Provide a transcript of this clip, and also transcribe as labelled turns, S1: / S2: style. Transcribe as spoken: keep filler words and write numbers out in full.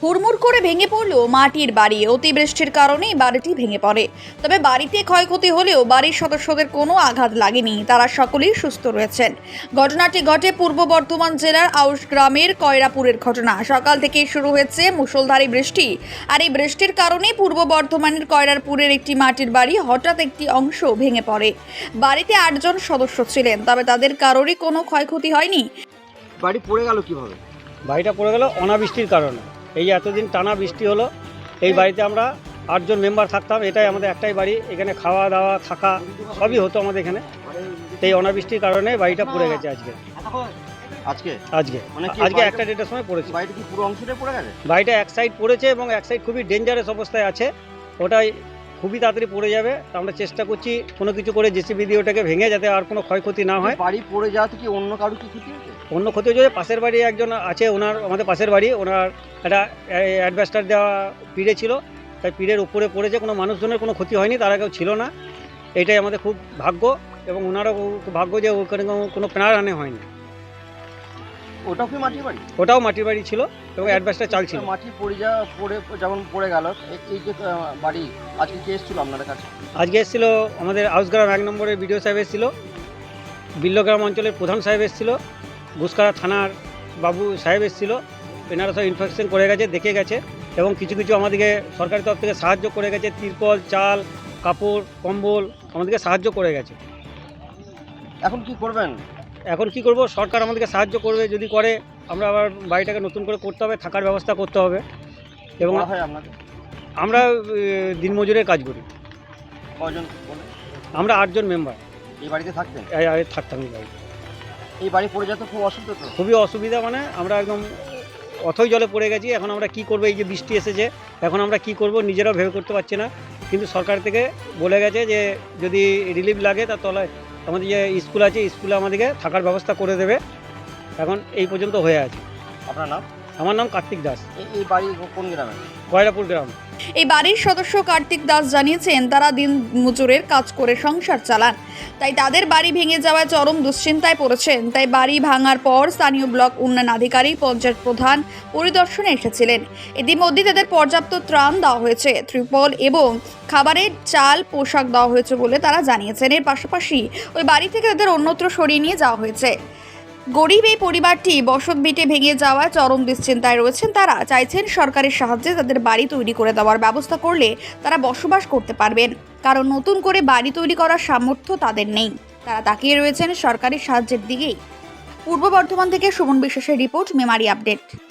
S1: হুড়মুড় করে ভেঙে পড়ল মাটির বাড়ি। অতিবৃষ্টির কারণে বাড়িটি ভেঙে পড়ে। তবে বাড়িতে ক্ষয়ক্ষতি হলেও বাড়ির সদস্যদের কোনো আঘাত লাগেনি, তারা সকলেই সুস্থ রয়েছেন। ঘটনাটি ঘটে পূর্ব বর্ধমান জেলার আউশ গ্রামের কয়রাপুরের ঘটনা। সকাল থেকেই শুরু হয়েছে মুষলধারে বৃষ্টি, আর এই বৃষ্টির কারণে পূর্ব বর্ধমানের কয়রাপুরের একটি মাটির বাড়ি হঠাৎ একটি অংশ ভেঙে পড়ে। বাড়িতে আটজন সদস্য ছিলেন, তবে তাদের কারোরই কোনো ক্ষয়ক্ষতি হয়নি।
S2: বাড়ি পড়ে গেল কিভাবে?
S3: বাড়িটা পড়ে গেল অনাবৃষ্টির কারণে। এই যে এতদিন টানা বৃষ্টি হলো, এই বাড়িতে আমরা আটজন মেম্বার থাকতাম। এটাই আমাদের একটাই বাড়ি, এখানে খাওয়া দাওয়া থাকা সবই হতো আমাদের এখানে। এই অনাবৃষ্টির কারণে বাড়িটা পড়ে গেছে আজকে
S2: আজকে
S3: আজকে
S2: মানে কি
S3: আজকে
S2: বাড়িটা-
S3: একটা ডেটের সময় পড়েছে।
S2: বাড়িটা কি পুরো অংশটাই পড়ে গেছে?
S3: বাড়িটা এক সাইড পড়েছে এবং এক সাইড খুবই ডেঞ্জারাস অবস্থায় আছে। ওটাই খুবই তাড়াতাড়ি পড়ে যাবে। তা আমরা চেষ্টা করছি কোনো কিছু করে জেসিবি দিয়ে ওটাকে ভেঙে যাতে আর কোনো ক্ষয়ক্ষতি না হয়।
S2: বাড়ি পড়ে যাওয়াতে কি অন্য কারো কি ক্ষতি হয়েছে?
S3: অন্য ক্ষতি হচ্ছে পাশের বাড়ি একজন আছে, ওনার আমাদের পাশের বাড়ি, ওনার একটা অ্যাডভেস্টার দেওয়া পিড়ে ছিল, তাই পিড়ের উপরে পড়েছে। কোনো মানুষজনের কোনো ক্ষতি হয়নি, তারা কেউ ছিল না। এটাই আমাদের খুব ভাগ্য, এবং ওনারও খুব ভাগ্য যে ওখানে কোনো প্রাণহানি হয়নি।
S2: ওটাও কি মাটির বাড়ি?
S3: ওটাও মাটির বাড়ি ছিল এবং অ্যাডভেস্টার চাল ছিল।
S2: মাটি পড়ে যাওয়া পড়ে যেমন পড়ে গেল, এ- এই যে আহ, বাড়ি আজকে কে এসেছিল আপনাদের কাছে?
S3: আজকে এসেছিল আমাদের আউসগ্রাম এক নম্বরের বিডিও সাহেব এসেছিল, বিল্লগ্রাম অঞ্চলের প্রধান সাহেব এসেছিল, ঘুসকারা থানার বাবু সাহেব এসেছিল। এনারা সব ইনফেকশন করে গেছে, দেখে গেছে, এবং কিছু কিছু আমাদেরকে সরকারি তরফ থেকে সাহায্য করে গেছে। তিরপল, চাল, কাপড়, কম্বল আমাদেরকে সাহায্য করে গেছে।
S2: এখন কি করবেন?
S3: এখন কি করব, সরকার আমাদেরকে সাহায্য করবে, যদি করে আমরা আবার বাড়িটাকে নতুন করে করতে হবে, থাকার ব্যবস্থা করতে হবে। এবং
S2: বলা হয় আপনাদের
S3: আমরা আহ, দিনমজুরের কাজ করি।
S2: কজন বলে
S3: আমরা আটজন মেম্বার
S2: এই বাড়িতে থাকতেন?
S3: থাকতাম এই বাড়িতে।
S2: এই বাড়ি পড়ে যেতে খুব অসুবিধা তো।
S3: খুবই অসুবিধা, মানে আমরা একদম অথই জলে পড়ে গেছি। এখন আমরা কি করব, এই যে বৃষ্টি এসেছে, এখন আমরা কি করব নিজেরাও ভেবে করতে পারছি না। কিন্তু সরকার থেকে বলে গেছে যে যদি রিলিফ লাগে তার তলায় আমাদের যে স্কুল আছে, স্কুলে আমাদেরকে থাকার ব্যবস্থা করে দেবে। এখন এই পর্যন্ত হয়ে আছে।
S2: আপনার নাম?
S3: আমার নাম কার্তিক দাস,
S2: এই- এই বাড়ি কোন গ্রামে?
S3: কয়রাপুর গ্রাম।
S1: এই বাড়ির সদস্য কার্তিক দাস জানিয়েছেন, তারা দিন মজুরের কাজ করে সংসার চালান, তাই তাদের বাড়ি ভেঙে যাওয়ায় চরম দুশ্চিন্তায় পড়েছেন। তাই বাড়ি ভাঙার পর স্থানীয় ব্লক উন্নয়ন আধিকারিক, পঞ্চায়েত প্রধান পরিদর্শনে এসেছিলেন। ইতিমধ্যে তাদের পর্যাপ্ত ত্রাণ দেওয়া হয়েছে, ত্রিপল এবং খাবারের চাল, পোশাক দেওয়া হয়েছে বলে তারা জানিয়েছেন। এর পাশাপাশি ওই বাড়ি থেকে তাদের অন্যত্র সরিয়ে নিয়ে যাওয়া হয়েছে। গরিব এই পরিবারটি বসত ভিটে ভেঙে যাওয়ায় চরম দুশ্চিন্তায় রয়েছেন। তারা চাইছেন সরকারের সাহায্যে তাদের বাড়ি তৈরি করে দেওয়ার ব্যবস্থা করলে তারা বসবাস করতে পারবেন, কারণ নতুন করে বাড়ি তৈরি করার সামর্থ্য তাদের নেই। তারা তাকিয়ে রয়েছেন সরকারি সাহায্যের দিকেই। পূর্ব বর্ধমান থেকে সুমন বিশ্বাসের রিপোর্ট, মেমারি আপডেট।